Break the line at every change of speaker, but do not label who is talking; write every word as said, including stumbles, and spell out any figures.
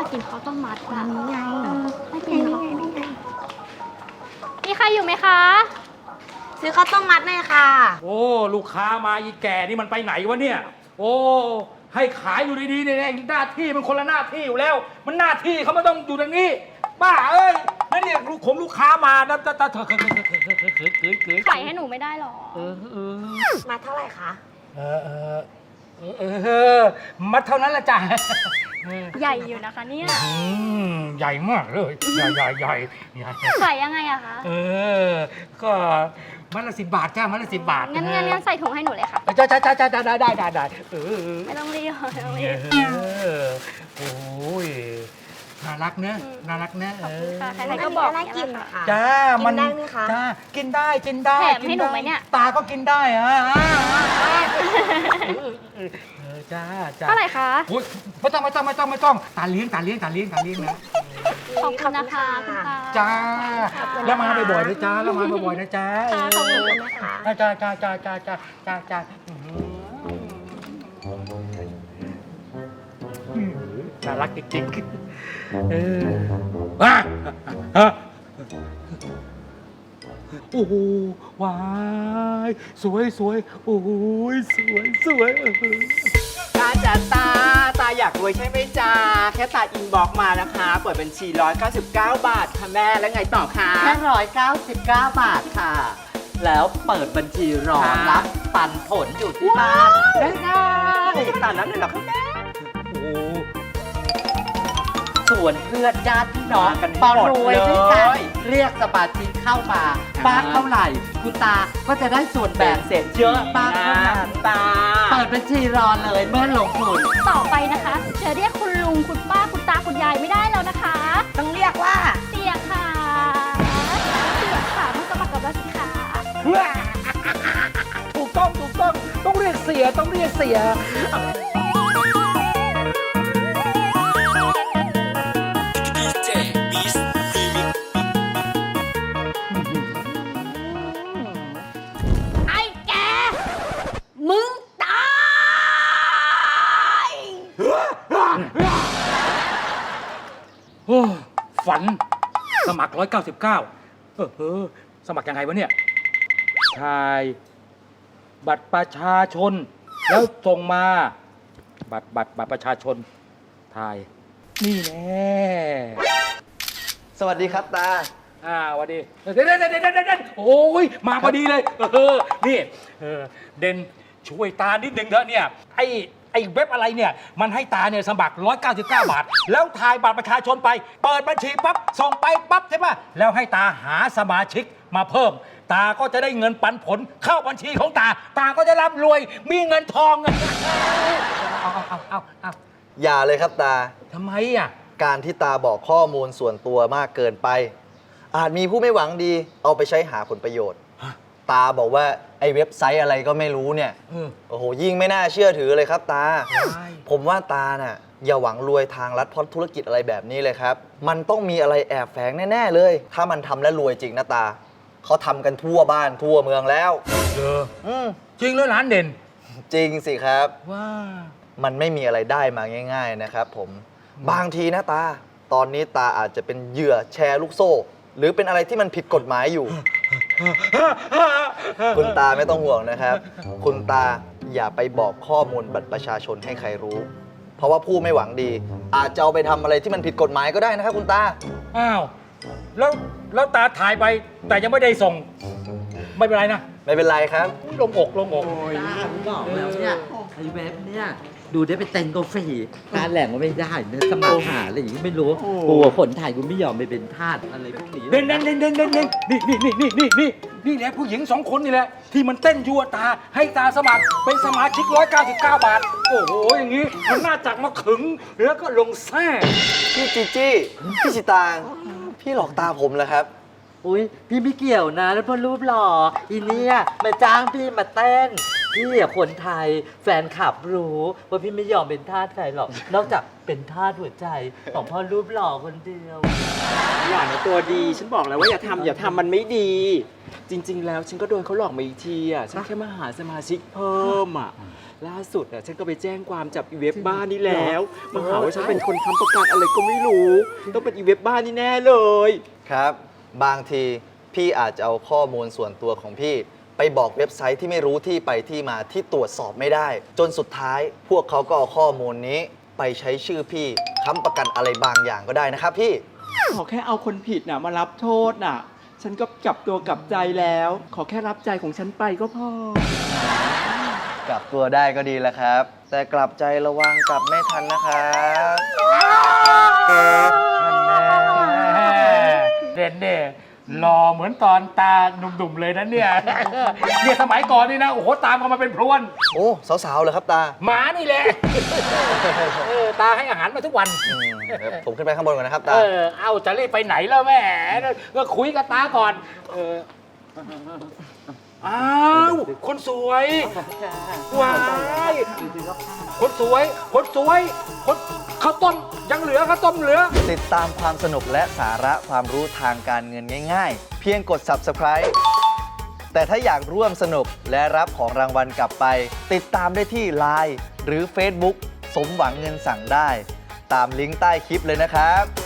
ากกินข้าวต้มมัดอะ
นี่ไง
ไม่กิ
นี่
น
ไง
หรอ
นี่ไง
มีใครอยู่ไหมคะ
ซื้อข้าวต้มมัดหน่อยค่ะ
โอ้ลูกค้ามาอีแก่นี่มันไปไหนวะเนี่ย โอ้ให้ขายอยู่ดีๆเนี่ยหน้าที่มันคนละหน้าที่อยู่แล้ว มันหน้าที่เขาไม่ต้องอยู่ตรงนี้บ้าเอ้ยนั่นเนี่ยลูกผมลูกค้ามานะตาตาเถอะเถอะเถอะเถอะเถอะเถอะเถอะเถอะเถอะ
ขายให้หนูไม่ได้หรอ
เออเออ
มาเท่าไหร่คะ
เออเออเออเออเออมัดเท่านั้นละจ้ะ
ใหญ่อยู่นะคะเนี่ย
อืมใหญ่มากเลยใหญ่ใหญ่ใหญ่ใหญ่
ขายยังไงอะคะ
เออก็มัดละสิบบาทจ้ามัดละสิบบาท
งั้นงั้นงั้นใส่ถุงให้หนูเลยค่ะ
จ้าจ้าจ้าจ้าได้ได้ได้ได้เออ
ไม่ต้องรีบไม่ต้องรีบ
เออโอ้ยน่ารักเนอะ
อืม
น่ารักเนอะ
ขอบคุณค่ะ
เออ
ใครๆก็บอก
น่า
อย่าง
กิน
เงี้ยแหละ
ค่ะ
จ้ามัน
กินได้ไหมคะ
จ้ากินได้กินได้
แถมให้หนูไหมเนี่ย
ตาก็กินได้อะเออจ้าจ้า
เท่าไหร่คะ
โอ้ยไม่ต้องไม่ต้องไม่ต้องไม่ต้องตาเลี้ยงตาเลี้ยงตาเลี้ยงตาเลี้ยงนะ
ขอบคุณนะคะคุณตา
จ้า
ขอบคุณนะคะ
แล้วมาบ่อยๆนะจ้าแล้วมาบ่อยๆนะจ้า
ค่ะขอบคุณ
นะคะ
จ้าจ้าจ้าจ้าจ้าจ้าจ้าจ้าอื้อหือน่ารักจริงๆเอออ่ะฮะโอ้โหว้ายสวยสวยโอ้ยสวยสวยเออ
ตาจ๋าตา ตาอยากรวยใช่ไหมจ๊ะแค่ตาอินบอกมานะคะ เปิดบัญชี หนึ่งร้อยเก้าสิบเก้า บาทค่ะแม่ แล้วไงต่อคะ
แค่ร้อยเก้าสิบเก้าบาทค่ะ แล้วเปิดบัญชีรอรับปันผลอยู่ที่บ้าน
ได้ง่ายตานั้นเลยเหรอคะแม่
โอ้
ส่วนเพื่อนญาติพี่น้อง
มากัน
ปอ
หมด
รวยด้วยกัน
เลย
เรียกสมาชิกเข้ามาบ้านเท่าไหร่ คุณตาก็จะได้ส่วนแบ่
แบ่
ง
งเสร็จเยอะ
บ้านเท่านั้น
ตา
เปิดบัญชีรอเลยเมื่อลงทุน
ต่อไปนะคะจะเรียกคุณลุงคุณป้าคุณตาคุณยายไม่ได้แล้วนะคะ
ต้องเรียกว่า
เสียค่ะเสียค่ะมาสมัครกับเราสิคะ
ถูกต้องถูกต้องต้องเรียกเสียต้องเรียกเสีย
ไอ้แก มึงตาย
โอ้ฝันสมัครร้อยเก้าสิบเก้าเออเออสมัครยังไงวะเนี่ยถ่าย บัตรประชาชน แล้วส่งมา บัตรบัตรบัตรประชาชนถ่าย นี่แน่
สวัสดีครับตา
อ่าสวัสดีเด่นเด่นเด่นเด่นเด่นโอ้ยมาพอดีเลยเออนี่เออเด่นช่วยตานิดนึงเถอะเนี่ยไอไอเว็บอะไรเนี่ยมันให้ตาเนี่ยสมัครร้อยเก้าสิบเก้าบาท แล้วถ่ายบัตรประชาชนไป เปิดบัญชีปั๊บส่งไปปั๊บใช่ปะแล้วให้ตาหาสมาชิกมาเพิ่ม ตาก็จะได้เงินปันผลเข้าบัญชีของตา ตาก็จะร่ำรวยมีเงินทองเงินเอาเอาเอาเอาเอา
อย่าเลยครับตา
ทำไมอ่ะ
การที่ตาบอกข้อมูลส่วนตัวมากเกินไป อาจมีผู้ไม่หวังดี เอาไปใช้หาผลประโยชน์
ฮะ
ตาบอกว่าไอ้เว็บไซต์อะไรก็ไม่รู้เนี่ย
เออ
โอ้โห ยิ่งไม่น่าเชื่อถือเลยครับตา
ใช่
ผมว่าตาน่ะอย่าหวังรวยทางลัดเพราะธุรกิจอะไรแบบนี้เลยครับ มันต้องมีอะไรแอบแฝงแน่ๆเลย ถ้ามันทำแล้วรวยจริงนะตา เขาทำกันทั่วบ้านทั่วเมืองแล้ว
เออ
อืม
จริงแล้วร้านเด่น
จริงสิครับ
ว่า
มันไม่มีอะไรได้มาง่าย ๆนะครับผม บางทีนะตา ตอนนี้ตาอาจจะเป็นเหยื่อแชร์ลูกโซ่ หรือเป็นอะไรที่มันผิดกฎหมายอยู่ คุณตาไม่ต้องห่วงนะครับ คุณตาอย่าไปบอกข้อมูลบัตรประชาชนให้ใครรู้ เพราะว่าผู้ไม่หวังดี อาจจะเอาไปทำอะไรที่มันผิดกฎหมายก็ได้นะครับคุณตา
อ้าวแล้วแล้วตาถ่ายไปแต่ยังไม่ได้ส่ง ไม่เป็นไรนะ
ไม่เป็นไรครับ
ลงอกลงอก
ตาผมบอกแล้วเนี่ยไอ้เว็บเนี่ยดูได้ไปเต็นกาแฟตาแหล่งว่าไม่ได้เนี่ยสมัครหาอะไรอย่างงี้ไม่รู้กลัวคนไทยกูไม่ยอมไปเป็นทาสอะไรพวกนี้
เด่นเด่นเด่นเด่นเด่นเด่นนี่นี่นี่นี่นี่นี่นี่แหละผู้หญิงสองคนนี่แหละ ที่มันเต้นยั่วตาให้ตาสมัครเป็นสมาชิกร้อยเก้าสิบเก้าบาท โอ้โห อย่างนี้มันน่าจักมาขึง แล้วก็ลงแท้
พี่จีจี้พี่ชิตาง พี่หลอกตาผมเหรอครับ
อุ้ยพี่ไม่เกี่ยวนะแล้วพอรูปหล่ออีเนี่ยมาจ้างพี่มาเต้นพี่อะคนไทยแฟนคลับรู้ว่าพี่ไม่ยอมเป็นทาสใครหรอก นอกจากเป็นทาสหัวใจของพ่อรูปหล่อคนเดียว
อย่านะตัวดี ฉันบอกแล้วว่าอย่าทำอย่าทำมันไม่ดี จริง ๆ แล้วฉันก็โดนเขาหลอกมาอีกทีอ่ะ ฉันแค่มาหาสมาชิกเพิ่มอ่ะล่าสุดอ่ะฉันก็ไปแจ้งความจับอีเว็บบ้านนี่แล้วมาหาว่าฉันเป็นคนค้ำประกันอะไรก็ไม่รู้ต้องเป็นอีเว็บบ้านนี่แน่เลย
ครับ บางทีพี่อาจจะเอาข้อมูลส่วนตัวของพี่ไปบอกเว็บไซต์ที่ไม่รู้ที่ไปที่มาที่ตรวจสอบไม่ได้ จนสุดท้ายพวกเขาก็เอาข้อมูลนี้ไปใช้ชื่อพี่ค้ำประกันอะไรบางอย่างก็ได้นะครับพี่
ขอแค่เอาคนผิดน่ะมารับโทษน่ะ ฉันก็กลับตัวกลับใจแล้ว ขอแค่รับใจของฉันไปก็พอ
กลับตัวได้ก็ดีแล้วครับ แต่กลับใจระวังกลับไม่ทันนะครับ
เด่นเนี่ยหล่อเหมือนตอนตาหนุ่มๆเลยนะเนี่ย เนี่ยสมัยก่อนนี่นะ โอ้โห ตามกันมาเป็นพรวน
โอ้สาวๆเลยครับตา
หมานี่แหละ เออ ตาให้อาหารมาทุกวัน
อืมเดี๋ยวผมขึ้นไปข้างบนก่อนนะครับตา
เออ เอาจะรีบไปไหนแล้วแม่ก็คุยกับตาก่อน เออ อ้าว คนสวยว้ายคนสวย คนสวย คนข้าวต้มยังเหลือข้าวต้มเหลือ
ติดตามความสนุกและสาระความรู้ทางการเงินง่ายๆ เพียงกด Subscribe แต่ถ้าอยากร่วมสนุกและรับของรางวัลกลับไป ติดตามได้ที่ ไลน์ หรือ Facebook สมหวังเงินสั่งได้ ตามลิงก์ใต้คลิปเลยนะครับ